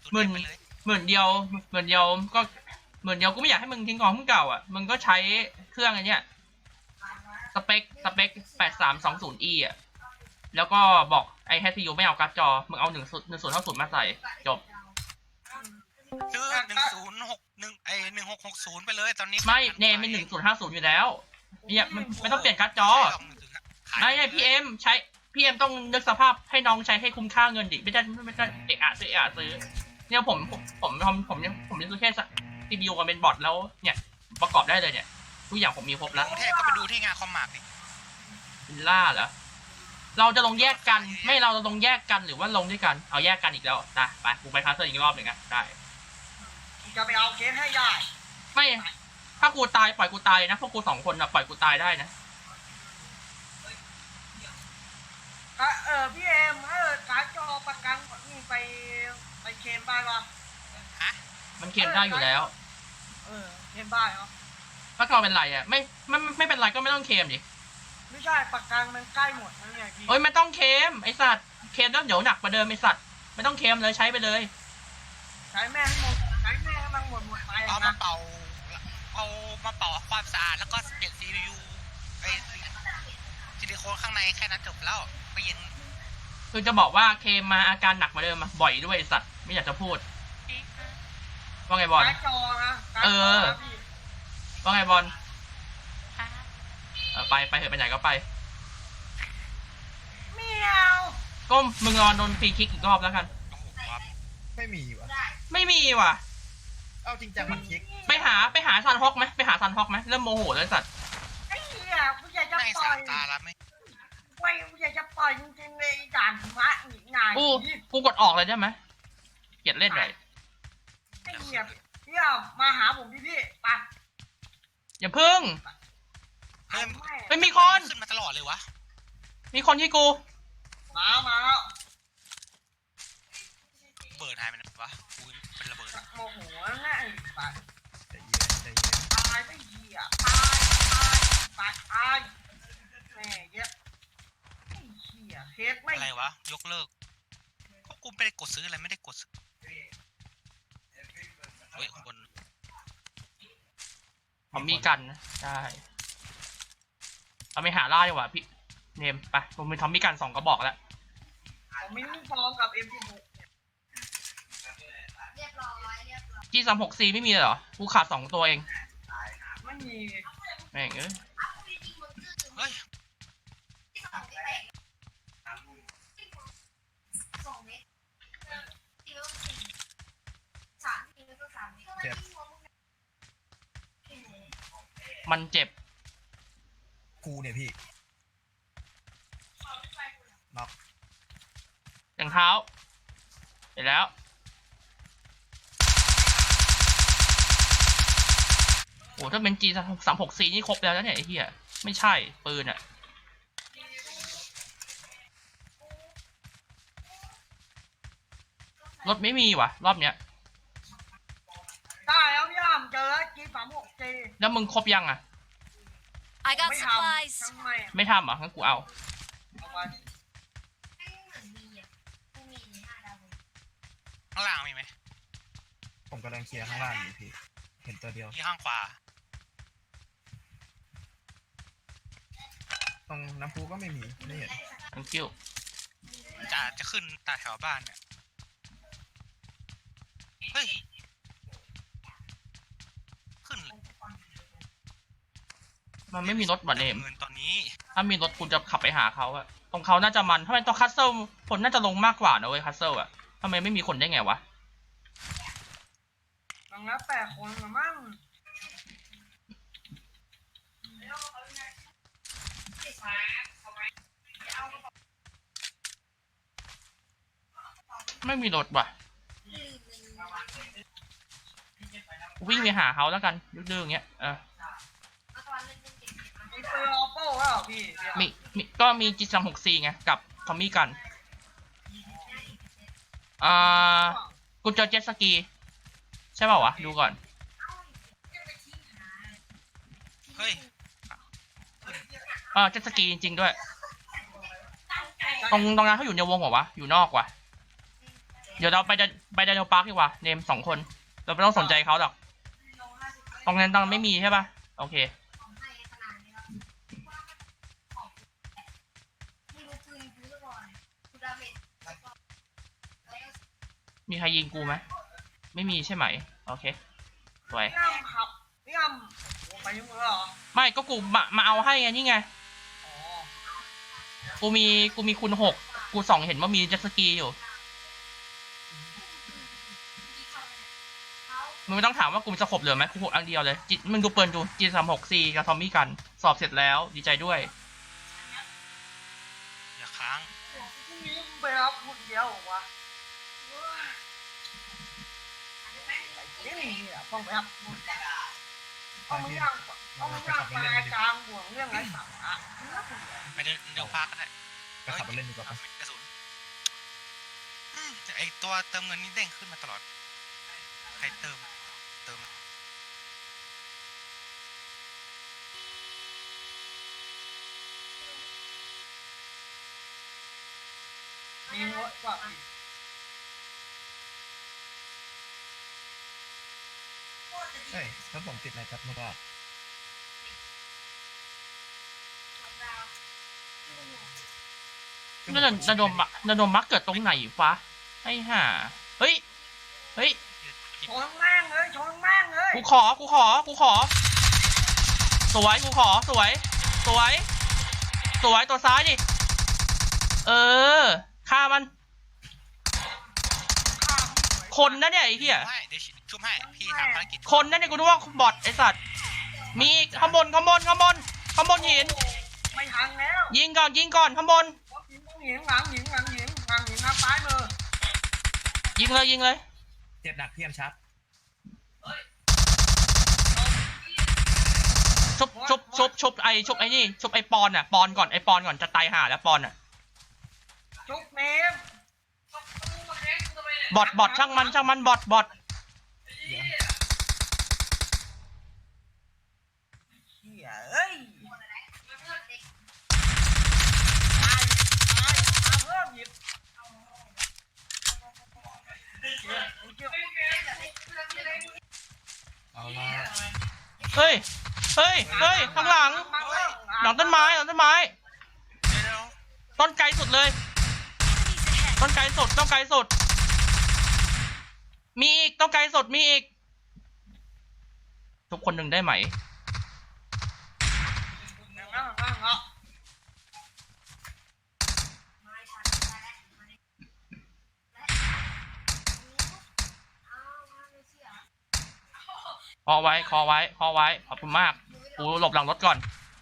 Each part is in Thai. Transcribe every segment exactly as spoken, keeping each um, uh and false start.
หมื่นหมื่นเดียวหมื่นเดียวก็หมื่นเดียวกูไม่อยากให้มึงทิ้งของมึงเก่าอ่ะมึงก็ใช้เครื่องอันเนี้ยสเปคสเปคแปดสามสองศูนย์อีอ่ะแล้วก็บอกไอ้แฮซียูไม่เอาการ์ดจอมึงเอาหนึ่งศูนย์หนึ่งศูนย์เท่าศูนย์มาใส่จบซื้อหนึ่งศูนย์หกหนึ่งไอหนึ่งหกหกศูนย์ไปเลยตอนนี้ไม่เนมเป็นหนึ่งศูนย์ห้าศูนย์อยู่แล้วเนี่ยมันไม่ต้องเปลี่ยนการ์ดจอไม่ใช่พี่เอ็มใช้พี่เอ็มต้องนึกสภาพให้น้องใช้ให้คุ้มค่าเงินดิไม่ได้ไม่ได้เอะอะซื้อเอะซื้อเนี่ยผมผมผมผมผมผมจะซื้อแค่ซีพียูกับเป็นบอร์ดแล้วเนี่ยประกอบได้เลยเนี่ยทุกอย่างผมมีครบแล้วกรุงเทพก็ไปดูที่งานคอมมาร์กดิวิลล่าเหรอเราจะลงแยกกันไม่เราจะลงแยกกันหรือว่าลงด้วยกันเอาแยกกันอีกแล้วนะไปกูไปคาสเซิลอีกรอบหนึ่งนะได้จะไปเอาเคสให้ได้ไม่ถ้ากูตายปล่อยกูตายนะพวกกูสองคนนะปล่อยกูตายได้นะเออพี่เอ็มเออการ์ดจอประกันนี่ไปไปเคลมได้ปะฮะมันเคลมได้อยู่แล้วเออเคลมได้เหรอถ้าเขาเป็นไรอ่ะไม่ไม่ไม่เป็นไรก็ไม่ต้องเคลมดิไม่ใช่ประกันมันใกล้หมดแล้วไงพี่เอ้ยไม่ต้องเคลมไอสัตว์เคลมแล้วเดี๋ยวหนักกว่าเดิมไอสัตว์ไม่ต้องเคลมเลยใช้ไปเลยใช้แม่ให้หมดใช้แม่ให้มันหมดหมดไปเอามาเป่าเอามาเป่าความสะอาดแล้วก็เปลี่ยนซีพียูไอซิลิโคนข้างในแค่นั้นจบแล้วไปเย็นคือจะบอกว่าเคลมมาอาการหนักกว่าเดิมมาบ่อยด้วยไอสัตว์ไม่อยากจะพูดว่าไงบอลเออว่าไงบอลไปไปเถอะไปไหนก็ไปเมียวก็มึงรอโดนฟรีคิกอีกรอบแล้วกันไม่มีวะไม่มีว่ะเอาจริงจังมันคิกไปหาไปหาซันฮอกไหมไปหาซันฮอกไหมเริ่มโมโหแล้วสัตว์ไอ้เหี้ยกูอยากจะปล่อยตาละไม่ไม่กูอยากจะปล่อยจริงๆเลยด่านมะอีกนายกูกูกดออกเลยได้ไหมเกลียดเล่นเลยไอ้เหี้ยเหี้ยมาหาผมพี่พี่ไปอย่าพึ่งไม่มีคนขึ้นมาตลอดเลยวะมีคนที่กูมามาแล้วเบิร์ดหายไปไหนวะกูเป็นระเบิดโมโหง่ายไปใจเย็นใจเย็นตายไม่เหี้ยตายตายตายตายแม่เยอะไอ้เหี้ยเคสไม่อะไรวะยกเลิกก็กูไม่ได้กดซื้ออะไรไม่ได้กดซื้อเฮ้ยคนผมมีกันนะได้เราไปหาล่าดีกว่าพี่เนมไปผมมีทอมมี่กันสองกระบอกแล้วผมมีลูกซองกับ เอ็ม สิบหกจีสามหกซีไม่มีเหรอกูขาดสองตัวเองไม่มีแม่งเอ้ยเฮ้ยเจ็บมันเจ็บกูเนี่ยพี่น็อกอย่างเท้าเสร็จแล้วโอ้ถ้าเป็น จี สามหกซีนี่ครบแล้วนะเนี่ยไอ้เหี้ยไม่ใช่ปืนอะรถไม่มีว่ะรอบเนี้ยได้แล้วพี่อ้ามเจอแล้ว จี สามหกซีแล้วมึงครบยังอะไม่ทำไม่ทำเหรองั้นกูเอาข้างล่างมีไหมผมกำลังเคลียร์ข้างล่างอยู่พี่เห็นตัวเดียวที่ข้างขวาตรงน้ำพุก็ไม่มีไม่เห็นทั้งคิวจะจะขึ้นตาแถวบ้านเนี่ยเฮ้ยขึ้นมันไม่มีรถบัตรเนมตอนนี้ถ้ามีรถคุณจะขับไปหาเขาอะตรงเขาน่าจะมันถ้าเป็นตรงคัสเซิลคนน่าจะลงมากกว่านะเว้ยคัสเซิลอะทำไมไม่มีคนได้ไงวะลองนับแปดคนมามั่งไม่มีรถว่ะวิ่งไปหาเขาแล้วกันดื้อๆอย่างเงี้ยเออมีปืนออโต้แล้วพี่มีมีก็มี จี สามหกซีไงกับทอมมี่กันอ่ากูเจอเจ็ตสกีใช่เปล่าวะดูก่อนเฮ้ยอ่าเจ็ตสกีจริงๆด้วยตรงตรงนั้นเขาอยู่ในวงเหรอวะอยู่นอกว่ะเดี๋ยวเราไปเดินไปไดโนปาร์คดีกว่าเนมสองคนเราไม่ต้องสนใจเขาหรอกตรงนั้นตรงไม่มีใช่ป่ะโอเคมีใครยิงกูไหมไม่มีใช่ไหมโอเคสวยพี่อ้ำครับพี่อ้ำโอ้ไปยุ่งเหรอไม่ก็กูมามาเอาให้ไงนี่ไงอ๋อกูมีกูมีคูณหกกูส่องเห็นว่ามีเจ็ตสกีอยู่มึงไม่ต้องถามว่ากูมีสะขบเหลือไหมกูหกอันเดียวเลยจิมึงดูเปิลดูจีสามหกซีกับทอมมี่กันสอบเสร็จแล้วดีใจด้วยอย่าค้างพรุ่งนี้มึงไปรับคนเดียวเหรอวะเว้ยไอ้นี่เนี่ยต้องไปรับคนเดียวเอามึงย่างเอามึงย่างปลากลางบ่วงเรื่องไรสาระน่าเบื่อไปเดินเดี๋ยวพาก็ได้ก็ขับมาเล่นดีกว่าปะกระสุนอืมไอตัวเติมเงินนี่เด้งขึ้นมาตลอดใครเติมเติมมีหัวกว่าพี่เอ้ยถ้าผมติดอะไรจับไม่ได้นั่นนะระดมอะระดมมักเกิดตรงไหนฟ้าไอ้ห่าเฮ้ยเฮ้ยชนแม่งเลยชนแม่งเลยกูขอกูขอกูขอสวยกูขอสวยสวยสวยตัวซ้ายดิเออฆ่ามันคนนะเนี่ยไอ้เหี้ยให้เดี๋ยวชุบให้พี่ทำภารกิจคนนั่นเนี่ยกูนึกว่าบอทไอ้สัตว์มีอีกข้างบนข้างบนข้างบนข้างบนหินไม่ทันแล้วยิงก่อนยิงก่อนข้างบนหญิงหญิงหลังหญิงหลังหญิงหลังหญิงทางซ้ายมือยิงเลยยิงเลยเจ็บหนักเพียมชัดชุบชุบชุบชุบไอชุบไอนี่ชุบไอปอนอ่ะปอนก่อนไอปอนก่อนจะตายห่าแล้วปอนอ่ะจุกเนมบอทบอทช่างมันช่างมันบอทบอทเดี๋ยวเฮียเอ้ยตายตายมาเพิ่มหยิบเฮียเฮียเอาละเฮ้ยเฮ้ยเฮ้ยข้างหลังหลังต้นไม้หลังต้นไม้เดี๋ยวต้นไกลสุดเลยต้นไกลสุดต้นไกลสุดมีอีกต้นไกลสุดมีอีกทุกคนหนึ่งได้ไหมนั่งนั่งนั่งเนาะคอไว้คอไว้คอไว้ขอบคุณมากกูหลบหลังรถก่อน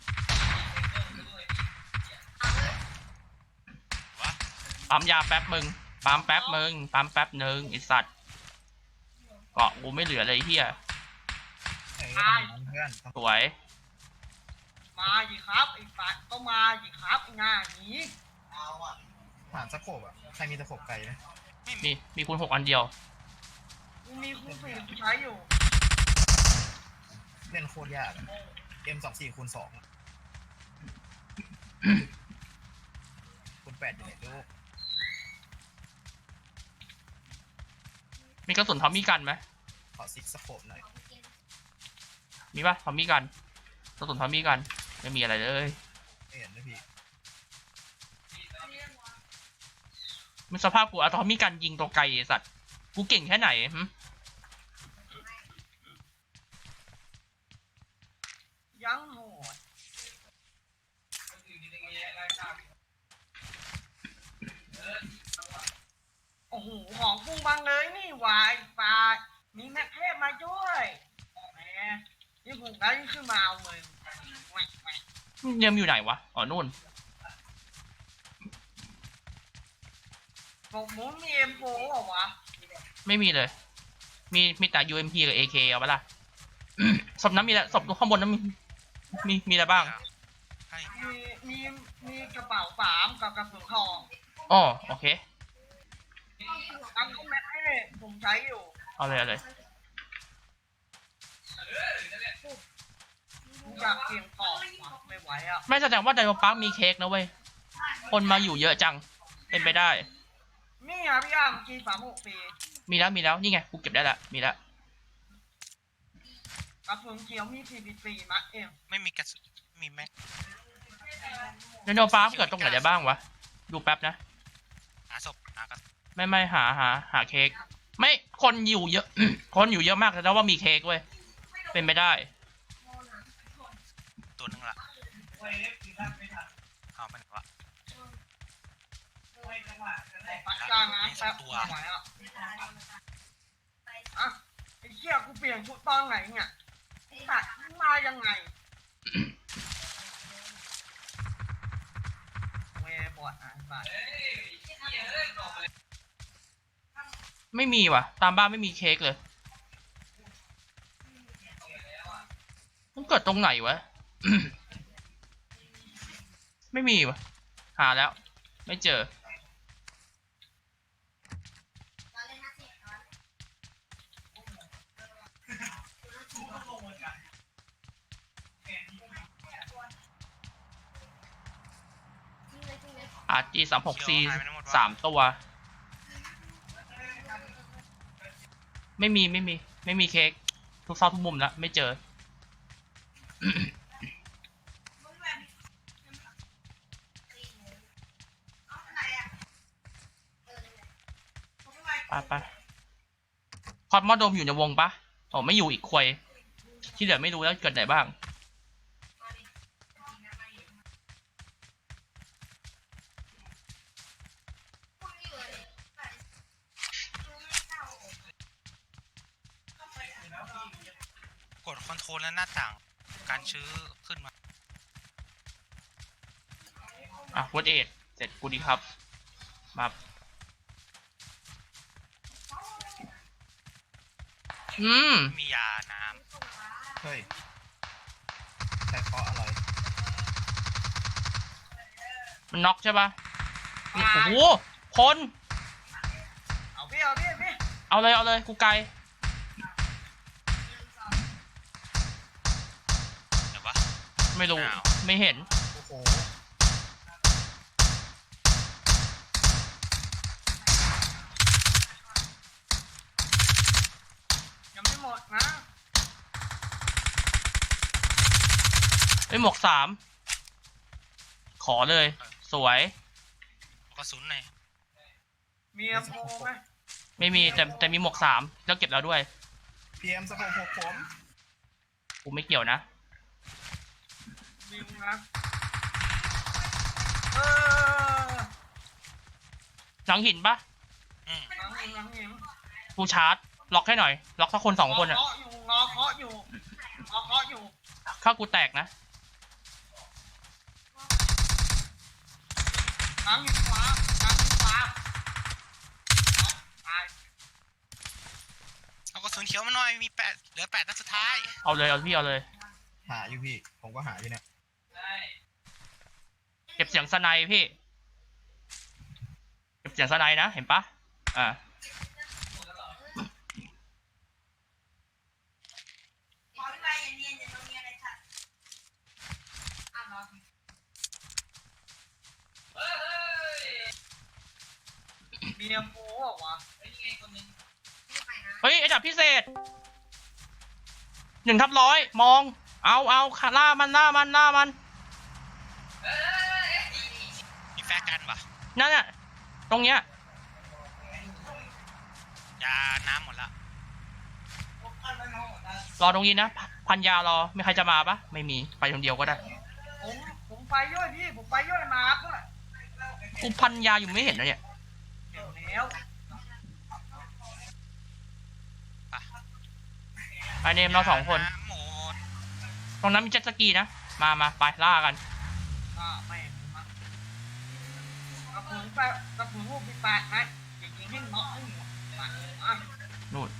วะปั๊มยาแป๊บมึงปั๊มแป๊บมึงปั๊มแป๊บหนึ่งไอสัตว์เกาะกูไม่เหลือเลยเฮียเอ้ยต้องอย่างนั้นเพื่อนต้องสวยมาสิครับไอ้สัตว์ก็มาสิครับไอ้หน้าหนีผ่านสะโขบอ่ะใครมีตะโขบไกลไหมไม่มีมีมีคูณหกอันเดียวกูมีคู่สี่กูใช้อยู่เล่นโคตรยากอะ เอ็ม สองสี่คูณสองอะคูณแปดอยู่ไหนลูกมีกระสุนทอมมี่กันไหมขอซิกสะโขบหน่อยมีปะทอมมี่กันกระสุนทอมมี่กันไม่มีอะไรเลยไม่เห็นนะพี่มันสภาพกูเอาทอมมี่กันยิงตัวไกลไอ้สัตว์กูเก่งแค่ไหนหึยังโหดโอ้โหของกุ้งบางเลยนี่หวายปลามีแม็กเทพมาด้วยแหมนี่ผมได้ขึ้นมาเอาเลยแหวกแหวกเนมอยู่ไหนวะอ๋อนู่นผมมุ้งมีเอ็มโฟเหรอวะไม่มีเลย มีมีแต่ ยู เอ็ม พี กับ เอ เค เอาปะล่ะ ศพนั้นมีอะไรศพข้างบนนั้นมีมีมีอะไรบ้างให้มีมีมีกระเป๋าสามกับกระสุนทองอ๋อโอเคอันนี้แม็กเทพผมใช้อยู่เอาเลยเอาเลยอยากเสี่ยงต่อว่ะไม่ไหวอ่ะไม่แสดงว่าไดโนปาร์คมีเค้กนะเว้ยคนมาอยู่เยอะจังเป็นไปได้มนี่อ่ะพี่อ้ามจีสามหกปีมีแล้วมีแล้วนี่ไงกูเก็บได้ละมีแล้วกระสุนเขียวมีสี่สิบสี่นัดเองไม่มีกระสุนมีแม็กไดโนฟ้าเกิดตรงไหนได้บ้างวะดูแป๊บนะหาศพหากระไม่ไม่หาหาหาเค้กไม่คนอยู่เยอะ คนอยู่เยอะมากแต่ว่ามีเค้กเว้ยเป็นไม่ได้ตัวหนึงละเอาไปไหนวะปัดกลางน้ำแป๊บไม่ไหวอ่ะอ่ะไอ้เชี่ยกูเปลี่ยนชุดตอนไหนเนี่ยไอ้สัตว์มึงมายังไงเวบอดอ่ะสัตว์ไม่มีว่ะ ตามบ้านไม่มีเค้กเลยมันเกิดตรงไหนวะ ไม่มีว่ะหาแล้ว ไม่เจออาร์จีสามหกซีสามตัว ไม่มีไม่มี ไม่มีเค้กทุกซอกทุกมุมแล้วไม่เจอ ไปไปคอสมอดมอยู่ในวงปะโอ้ไม่อยู่อีกควยที่เหลือไม่รู้แล้วเกิดไหนบ้างกดคอนโทรลและหน้าต่างการชื้อขึ้นมาอ่ะวอดเอทเสร็จกูดีครับ มาอืมมียาน้เฮ้ยใช้เคาะอะไรมันน็อกใช่ปะนี่โอ้โหคนเอาพี่เอาพี่พี่เอาเลยเอาเลยกูไกลำเดี๋ยววะไม่รู้อ้าวไม่เห็นโอ้โหยังไม่หมดนะไอ้หมวกสามขอเลย สวยกระสุนหน่อยมีอโมไหมไม่มีแต่แต่มีหมวกสามแล้วเก็บแล้วด้วยพีเอ็มสหกหกผมกูไม่เกี่ยวนะยิงนะเออหลังหินปะอืมหลังหินหลังหินกูชาร์จ ล็อกให้หน่อย ล็อกสักคนสองคนอะงอเคาะอยู่งอเคาะอยู่งอเคาะอยู่ถ้ากูแตกนะหลังหินขวาหลังหินขวาเอาตายเอากระสุนเขียวมาหน่อยมีแปดเหลือแปดนัดสุดท้ายเอาเลยเอาพี่เอาเลยหาอยู่พี่ ผมก็หาอยู่เนี่ยเก็บเสียงสไนพี่ เก็บเสียงสไนนะเห็นปะอ่ามีอโมบอกว่าวะเฮ้ยไอ้ดับพิเศษหนึ่งทับร้อยมอง เอาเอาขาล่ามันล่ามันล่ามันมีแฟร์กันปะนั่นน่ะตรงเนี้ยยาน้ำหมดละรอตรงนี้นะพพันยารอไม่ใครจะมาปะไม่มีไปคนเดียวก็ได้ผมผมไปย่อยพี่ผมไปย่อยมาด้วยกูพันยาอยู่ไม่เห็นนะเนี่ยเดี๋ยวแล้วไปเนมเราสองคนยาำหมดตรงนั้นมีเจ็ตสกีนะ มามาไปล่ากันอ่าไม่มากระปุกแปะกระปุกลูกปีแปดนะอย่ายิงให้เนาะให้หมดมาอ่ะนู่น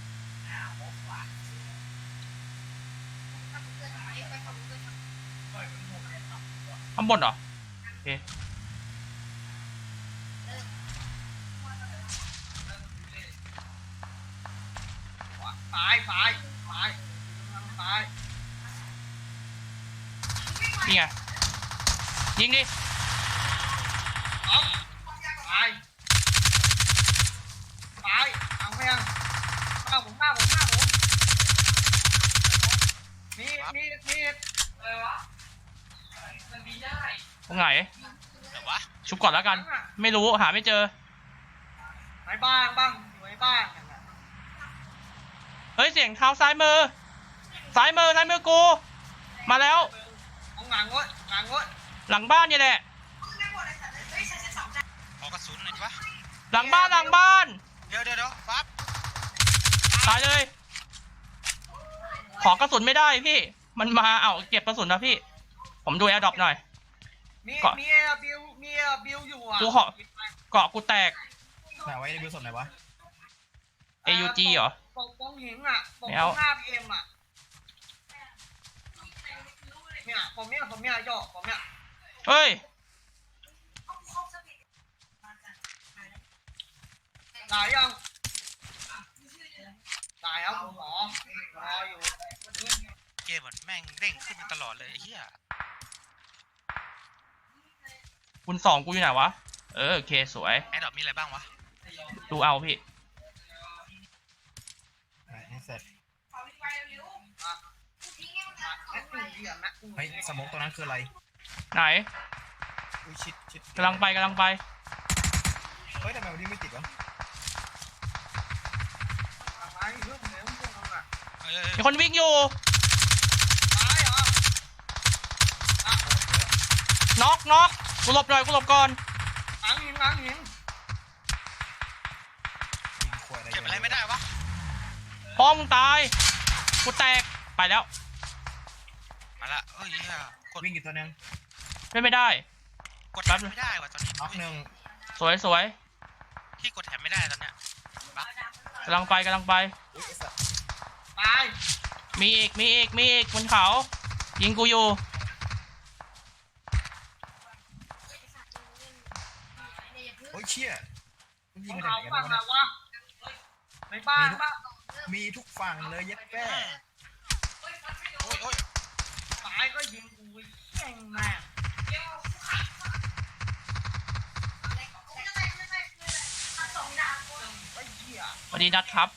ข้างบนเหรอโอเคตายตายตายตายนี่ไงยิงดิเอาตายข้าผมข้าผมข้าผมมีมีมีอะไรวะมันมีได้ตรงไหนเดี๋ยววะชุบก่อนแล้วกัน ไม่รู้หาไม่เจอไหนบ้างบ้างอยู่ในบ้านกันนะเฮ้ยเสียงเท้าซ้ายมือซ้ายมือซ้ายมือกู มาแล้วเอาหงังวะหงังวะหลังบ้านนี่แหละขอกระสุนหน่อยดิวะหลังบ้านหลังบ้านเดี๋ยวเดี๋ยวเดี๋ยวปั๊บตายเลย ขอกระสุนไม่ได้พี่ มันมาเอาเก็บกระสุนนะพี่ ผมดูแอร์ดรอปหน่อยมีเกาะมีเอบิวมีเอบิวอยู่อ่ะกูขอ เกาะกูแตกไหนไว้ในบิวสดไหนวะเอ ยู จี เหรอปกป้องหิงอ่ะปกไม่ป้เอาองห้าพีเอ็มอ่ะเนี่ยผมเนี่ยผมเนี่ยย่อผมเนี่ยเฮ้ยตายยังตายครับคุณหมอรออยู่เกมมันแม่งเด้งขึ้นมาตลอดเลยไอ้เหี้ยคุณสองกูอยู่ไหนวะ เออโอเคสวยแอดดอปมีอะไรบ้างวะดูเอาพี่ไหนให้เสร็จอ่ะแม่งเหลี่ยมนะเฮ้ยสโมกตัวนั้นคืออะไรไหนอุ้ยชิดชิดกำลังไปกำลังไปเฮ้ยทำไมวันนี้ไม่ติดวะตายเรื่องเหลวพวกนั้นอ่ะเอ้ยมีคนวิ่งอยู่ตายเหรอน็อกน็อกกูหลบหน่อยกูหลบก่อนหลังหินหลังหินยิงขวดอะไรเก็บอะไรไม่ได้วะป้อมงตาย กูแตก ไปแล้วมาละเอ้ยเหี้ยกดวิ่งกี่ตัวนึงไม่ไม่ได้กดแถมไม่ได้ว่ะตอนนี้น็อกหนึ่งสวยสวยที่กดแถมไม่ได้ตอนเนี้ยบั๊กกำลังไปกำลังไปอุ้ยไอ้สัสตายมีอีกมีอีกมีอีกบนเขา ยิงกูอยู่โอ้ยเชี่ยมันยิงของมาจากเขาไหนกันฝั่งวะไหนเนี่ยวะในบ้านบ้านมีทุกฝั่งเลยเย็ดแป้โอ้ยโอ้ยตายก็ยิงกูแย่งแม่งไอ้เหี้ยสวัสดีนัดครับ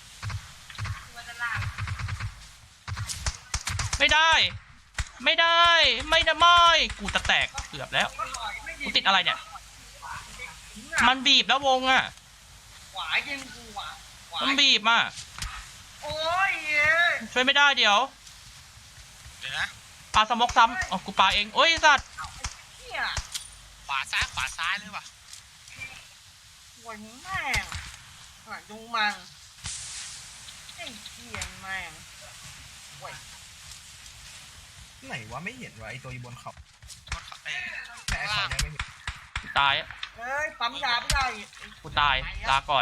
ไม่ได้ ไม่ได้ ไม่ได้ไม่กูจะแตกเกือบแล้วก็ต่อยไม่ยิกูงติดอะไรเนี่ยมัมัน นบีบแล้ววงอ่ะขวายิงกูอ่ะขวามันบีบอ่ะโอ้ยเย้ยช่วยไม่ได้เดี๋ยวเดี๋ยวนะปาสมกซ้ำอ๋อกูปาเองโอ้ยสัตว์เหี้ยขวาซ้ายขวาซ้ายเลยว่ะหวยแม่งอ่ะดูมันไอ้เหี้ยแม่งเว้ยไหนวะไม่เห็นวะไอตัวอยู่บนเขากดเอ้ยแต่ไอเขาเนี่ยไม่เห็นกูตายอะเอ้ยปั๊มยาไม่ได้อีกกูตายลาก่อน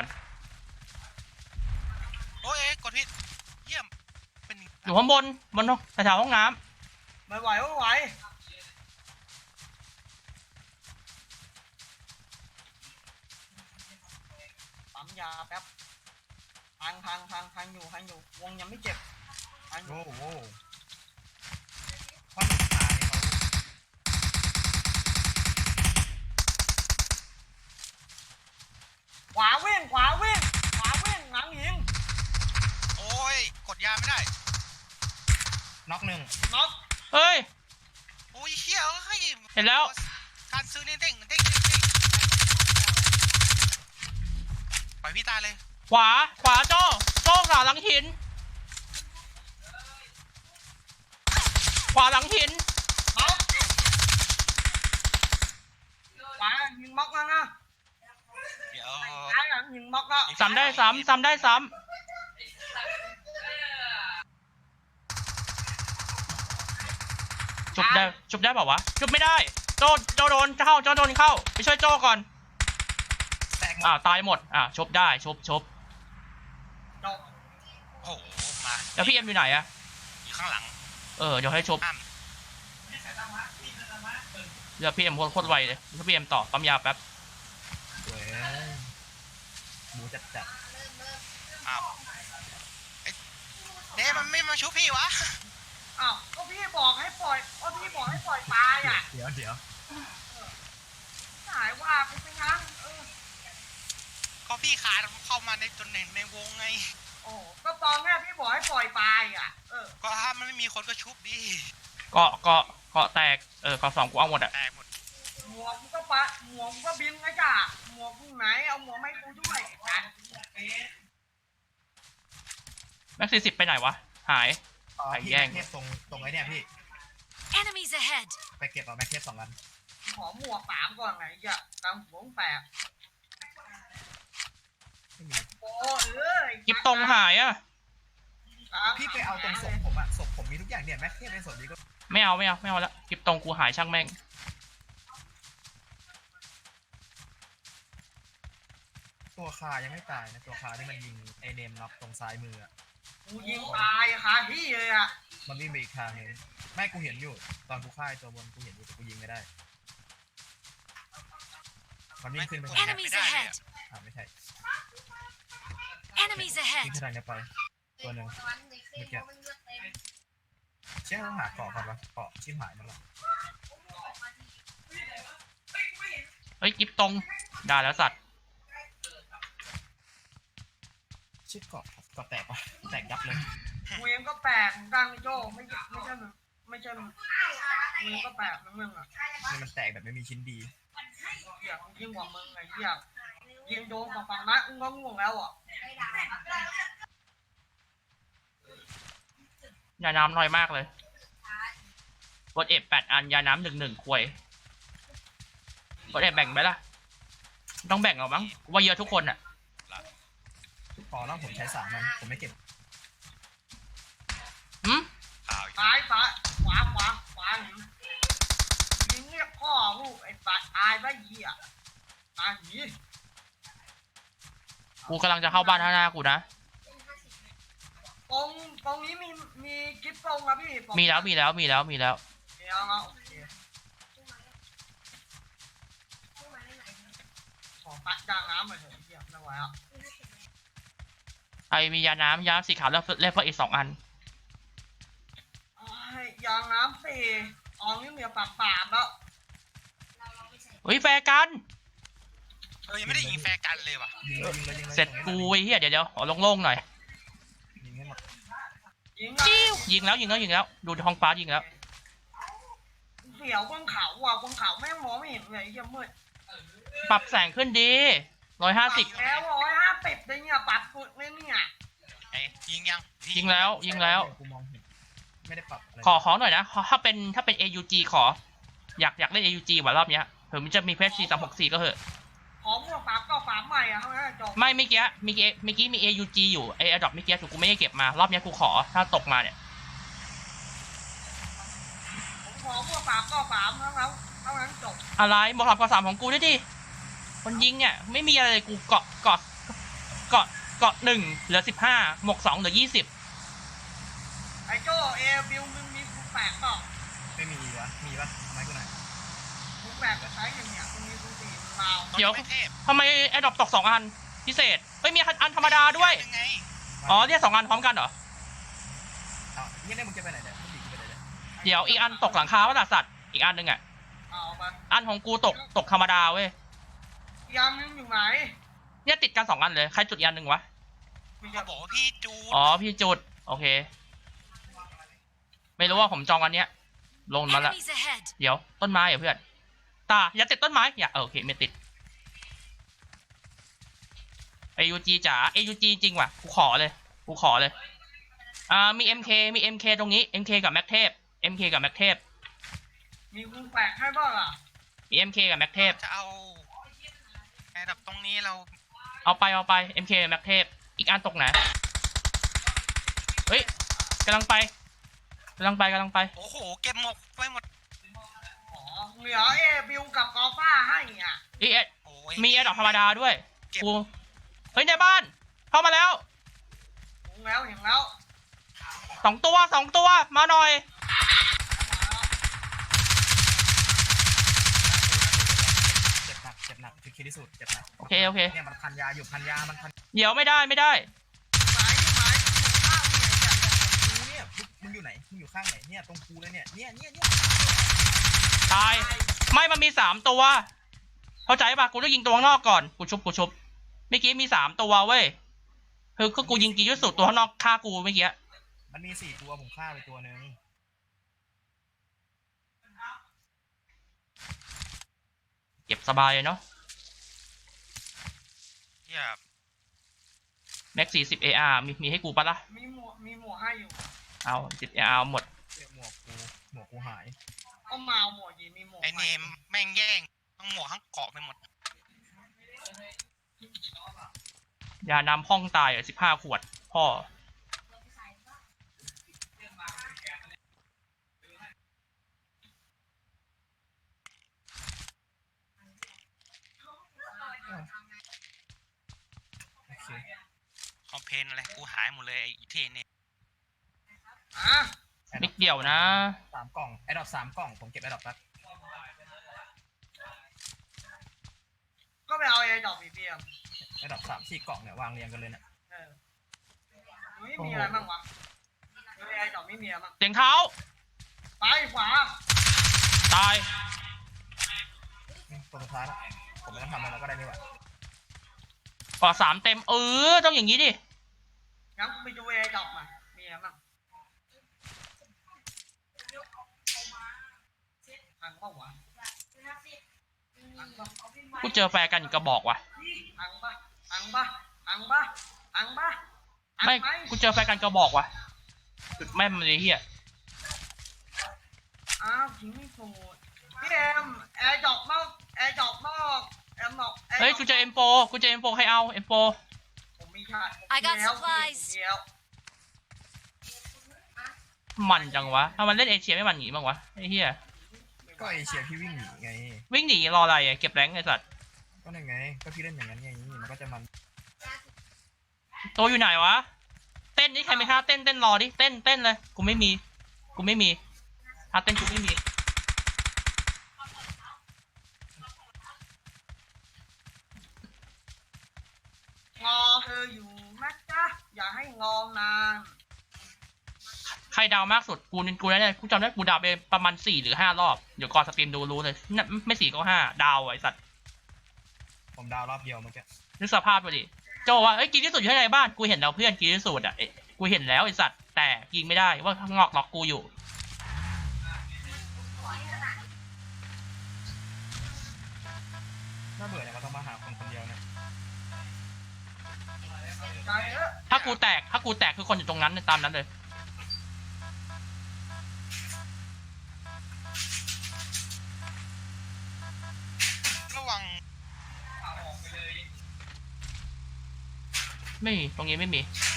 โอ้ยเอ้ยกดผิดเยี่ยมเป็นอยู่ข้างบนบนแถวๆห้องน้ไม่ไหวไม่ไหวปั๊มยาแป๊บพังพังพังพังอยู่พังอยู่วงยังไม่เจ็บพังอยู่โอ้โหเพราะหนังตาเนี่ยเขาขวาวิ่งขวาวิ่งขวาวิ่งหลังหิงโอ้ยกดยาไม่ได้น็อกหนึ่งน็อกำเฮ้ยโอ้ยเฮียเฮ้ยเห็นแล้วการซื้อนี่เด้งเด้งเด้งเด้งปล่อยพี่ตายเลยขวาขวาโจ้โจ้ขวาหลังหิน ขวาหลังหินน็อกขวาหิงม็อกแล้วนะเดี๋ยวซ้ายหลังหิงม็อกแล้วซ้ำได้ซ้ำซ้ำได้ซ้ำจุบได้จุบได้เปล่าวะจุบไม่ได้โจโจโดนเข้าโจโดนเข้าไปช่วยโจก่อนแตกหมอ่าดตายหมดอ่าชบได้ชบชบจบโอ้โหมาแล้วพี่เอ็มอยู่ไหนอะอยู่ข้างหลังเออเดี๋ยวให้ชบอ้ามเดี๋ยวพี่เอ็มโคตรไวเลยเดี๋ยวพี่เอ็มต่อปั๊มยาแป๊บเว้ยบูจัดจัดอ้าวเอ้ยเด้มันไม่มาชุบพี่วะอ้าวก็พี่บอกให้ปล่อยก็พี่บอกให้ปล่อยตายอ่ะเดี๋ยวเดี๋ยวหายว่ากูไปงั้นเออก็พี่ขาดเข้ามาในจนในในวงไงโอ้โหปล่อยไปอ่ะเออก็ถ้ามันไม่มีคนก็ชุบดิเกาะเกาะเกาะแตกเออเกาะสองกูเอาหมดอะแตกหมดหมวกกูก็ปะหมวกกูก็บินนะจ้ะหมวกกูไหนเอาหมวกไม่กูด้วยกันแม็กซี่สิบไปไหนวะหายอ๋อไอ้พี่แย่งแม็กเทสตรงตรงไอ้เนี่ยพี่ Enemies ahead! ไปเก็บเอาแม็กเทสสองอันขอหมวกสามก่อนไงจ้ะตามหัวแปะไม่มีโอ้เอ้ยกิบตรงหายอะพี่ไปเอาตรงศพผมอะศพผมมีทุกอย่างเนี่ยแม็กเทสในศพนี้ก็ไม่เอาไม่เอาไม่เอาละกิบตรงกูหายช่างแม่งตัวคายังไม่ตายนะตัวคาที่มันยิงไอเนมน็อกตรงซ้ายมืออะกูยิงตายอะค่ะพี่เลยอ่ะมันวิ่งไปอีกทางหนึงไม่กูเห็นอยู่ ตอนกูฆ่าไอ้ตัวบนกูเห็นอยู่แต่กูยิงไม่ได้ มันวิ่งขึ้นไปทางนี้ Enemies ahead! อ่าไม่ใช่ Enemies วิ่ ahead! งขึ้นทางนี้ไป ตัวหนึ่งเมื่อกี้เชี่ยต้องหาเกาะก่อนวะเกาะชิบหายมันละเฮ้ยกิบตรงได้แล้วสัตว์ชิบเกาะเกาะแตกปะแตกยับเลยกูเองก็แปลกดังโจ้ไม่ใช่ไม่ใช่มึงไม่ใช่มึงกูเองก็แปลกมึงมึงอ่ะนี่มันแตกแบบไม่มีชิ้นดีเหี้ยกูยิงกว่ามึงไงเหี้ยยิงโดนฝั่งฝั่งนั้นกูก็ง่วงแล้วอ่ะยาน้ำน้อยมากเลยกดเอฟแปดอันยาน้ำหนึ่งหนึ่งควยกดเอฟแบ่งไหมล่ะต้องแบ่งเอามั้งว่าเยอะทุกคนอะพอแล้วผมใช้สามมันผมไม่เก็บหืมข่าวอยู่ซ้ายซ้ายขวาขวาขวาหนียิงเรียกพ่อลูกไอ้ตายตายไปเหี้ยตายหนีกูกำลังจะเข้าบ้านข้างหน้ากูนะตรงตรงนี้มีมีกิ๊บตรงอะพี่มีแล้วมีแล้วมีแล้วมีแล้วเดี๋ยวเอาโอเคขอปัดจางน้ำหน่อยเถอะเหี้ยไม่ไหวอ่ะไอมียาน้ำยาสีขาวแล้วเล่นเพิ่มอีกสองอันไอ้ยางน้ำสี่อองนี่เหลือปากปามแล้วเฮ้ยแฟร์กันเออยังไม่ได้ยิงแฟร์กันเลยว่ะยิงเลยยิงเลยยิงเลยเสร็จกูไอ้เหี้ยเดี๋ยวเดี๋ยวขอโล่งๆหน่อยยิงให้หมดยิงจิ้วยิงแล้วยิงแล้วยิงแล้วดูท้องฟ้ายิงแล้วเสียวบนเขาว่ะบนเขาแม่งมองไม่เห็นเลยไอ้เหี้ยมืดปรับแสงขึ้นดีร้อยห้าสิบปรับแล้วร้อยห้าสิบเลยเนี่ยปรับสุดเลยเนี่ยไอ้ยิงยังยิงแล้วยิงแล้วกูมองเห็นไม่ได้ปรับอะไรขอขอหน่อยนะขอถ้าเป็นถ้าเป็น เอ ยู จี ขอ อยากอยากเล่น เอ ยู จี ว่ะรอบเนี้ยเผื่อมันจะมีเพชรซีสามหกสี่ก็เหอะขอพวกปรับก็ปรับใหม่อะเท่านั้นจบไม่เมื่อกี้เมื่อกี้เมื่อกี้มี เอ ยู จี อยู่ไออดอปเมื่อกี้ถูกกูไม่ได้เก็บมารอบเนี้ยกูขอถ้าตกมาเนี่ยผมขอพวกปรับก็ปรับเท่านั้นเท่านั้นจบอะไรหมวกสามกว่าสามของกูด้วยดิคนยิงเนี่ยไม่มีอะไรเลยกูเกาะเกาะเกาะเกาะหนึ่งเหลือสิบห้าหมวกสองเหลือยี่สิบไอ้โจ้เอบิวมึงมีกูแปลกเปล่าไม่มีวะมีปะทำไมกูไหนอยกูแปลกจะใช้ยังเนี่ยมึงมีกูสี่มึงเมาเดี๋ยวไม่เทพทำไมไอดอปตกสองอันพิเศษเฮ้ยมีอันธรรมดาด้วยยังไงอ๋อเนี่ยสองอันพร้อมกันเหรออ้าวเนี่ยเนี่ยมึงจะไปไหนเนี่ยมึงดีกูไปไหนเนี่ยเดี๋ยวอีกอันตกหลังคาวะล่ะสัตว์อีกอันหนึ่งอ่ะเอาไปอันของกูตกตกธรรมดาเว้ยยามนึงอยู่ไหนเนี่ยติดกันสองอันเลยใครจุดอีกอันหนึ่งวะไม่เขาจะบอกว่าพี่จูดอ๋อพี่จุดโอเค ไม่รู้ว่าผมจองอันเนี้ย ลงมาละ Enemies ahead! เดี๋ยวต้นไม้เหรอเพื่อนตาอย่าติดต้นไม้อย่าเออโอเคไม่ติด เอ ยู จี จ๋า เอ ยู จี จริงว่ะกูขอเลยกูขอเลยอ่ามี เอ็ม เค มี เอ็ม เค ตรงนี้ เอ็ม เค กับแม็กเทพ เอ็ม เค กับแม็กเทพมีกูแปลกให้บ้างอ่ะมี เอ็ม เค กับแม็กเทพจะเอาแอร์ดับตรงนี้เราเอาไปเอาไป เอ็ม เค กับแม็กเทพอีกอันตกไหนเฮ้ยกำลังไปกำลังไปกำลังไปโอ้โหเก็บหมกไว้หมดอ๋อเหลือเอบิวกับกอฟ้าให้อ่ะอีเอ็ดโอ้ยมีแอดดอกธรรมดาด้วยเก็บกูเฮ้ยในบ้านเข้ามาแล้วถึงแล้วเห็นแล้วสองตัวสองตัวมาหน่อยเจ็บหนักเจ็บหนักคือคิดที่สุดเจ็บหนักโอเคโอเคเนี่ยมันพันยาอยู่พันยามันพันเดี๋ยวไม่ได้ไม่ได้หมายหมายถึงข้าวเนี่ยกูเนี่ยมึงมึงอยู่ไหนมึงอยู่ข้างไหนเนี่ยตรงกูเลยเนี่ยเนี่ยเนี่ยเนี่ยตายไม่มันมีสามตัวเข้าใจปะกูต้องยิงตัวข้างนอกก่อนกูชุบกูชุบเมื่อกี้มีสามตัวเว้ยคือก็กูยิงกียุสุตัวข้างนอกฆ่ากูเมื่อกี้มันมีสี่ตัวผมฆ่าไปตัวหนึ่งเก็บสบายเลยเนาะเหี้ยแม็กสี่สิบเออาร์มีมีให้กูปะล่ะมีหมวกมีหมวกให้อยู่เอาสิบเออาร์หมดเสียหมวกกูหมวกกูหายเอามาเอาหมวกยีมีหมวกไอเนมแม่งแย่งทั้งหมวกทั้งเกาะไปหมดยาน้ำห้องตายสิบห้าขวด พ่อโอเคคอมเพนอะไรกูหายหมดเลยไอ้เทเนี่ยอ่ะมิกเดี่ยวนะสามกล่องไอดอปสามกล่องผมเก็บไอดอปแป๊บก็ไปเอาไอ้ดอกบีเบียมไอดอปสามสี่กล่องเนี่ยวางเรียงกันเลยเนี่ยเออไม่มีอะไรบ้างวะไม่ไอ้ดอกไม่มีอะไรบ้างเสียงเท้าไปขวาตายอืมตัวสุดท้ายแล้วผมไม่ต้องทำอะไรแล้วก็ได้นี่หว่าก่อสามเต็ม เออ ต้องอย่างนี้ดิงั้นกูไปดูไอ้ดอกมามีอะไรบ้างทางเปล่าวะทางเปล่ากูเจอแฟร์กันอีกกระบอกว่ะทางปะทางปะทางปะทางปะทางไม่ไหมกูเจอแฟร์กันกระบอกว่ะจุดแม่นมันเลยเฮียอ้าวทิ้งไม่ถูกพี่เอ็มแอร์ดอกนอกแอร์ดอกนอกแอร์ดอกแอร์ดอกเฮ้ย กูเจอเอ็มโฟกูเจอเอ็มโฟใครเอาเอ็มโฟผมมีค่ะผม I got มีแล้ว supplies ผมมีแล้วมันจังวะถ้ามันเล่นเอเชียไม่มันหนีบ้างวะไอ้เฮียก็เอเชียพี่วิ่งหนีไงวิ่งหนีรออะไรอะเก็บแรงไอ้สัตว์ก็นั่นไงก็พี่เล่นอย่างนั้นไงมันก็จะมันโตอยู่ไหนวะ เต้นนี่ใครไม่ท่าเต้นเต้นรอดิ เต้นเต้นเลย กูไม่มี กูไม่มีท่าเต้นกูไม่มีงอเธออยู่นะจ๊ะอย่าให้งอนานใครดาวมากสุด กูนี่กูได้กูจำได้กูดาวไปประมาณสี่หรือห้ารอบ เดี๋ยวก่อนสตรีมดูรู้เลยน่ะไม่สี่ก็ห้าดาวไอ้สัตว์ผมดาวรอบเดียวเมื่อกี้นึกสภาพไปดิ โจว่าเอ้ยกินที่สุดอยู่ที่ไหนบ้าน กูเห็นแล้วเพื่อนกินที่สุดอ่ะเอ้ยกูเห็นแล้วไอ้สัตว์ แต่ยิงไม่ได้ว่าข้างนอกล็อกกูอยู่น่าเบื่อเนี่ยมันต้องมาหาคนคนเดียวเนี่ยใจเออถ้ากูแตก ถ้ากูแตกคือคนอยู่ตรงนั้นตามนั้นเลยระวังไม่มีตรงนี้ไม่มี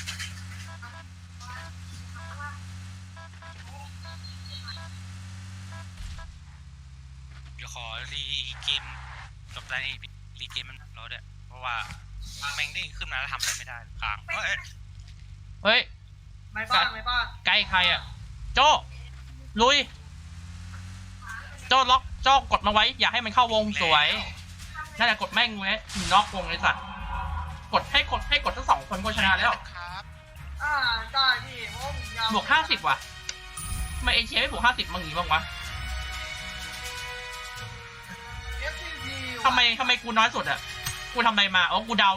เดี๋ยวขอรีเกมจบได้นี่รีเกมมันเราด้วยเพราะว่าแม่งเด้งขึ้นมาแล้วทำอะไรไม่ได้ค้างเฮ้ยเฮ้ยไม่บ้างไม่บ้างใกล้ใครอ่ะ โจลุย โจล็อกโจกดมาไว้ อย่าให้มันเข้าวงสวยนั่นแหละกดแม่งไว้ล็อกวงเลยสัตว์กดให้กดให้กดทั้งสองคนก็ชนะแล้วครับอ่าได้พี่เพราะผมยาวบวกห้าสิบว่ะทำไมเอเชียไม่บวกห้าสิบบ้างนี้บ้างวะเอฟซีพีทำไมทำไมกูน้อยสุดอ่ะ กูทำอะไรมาอ๋อกูเดา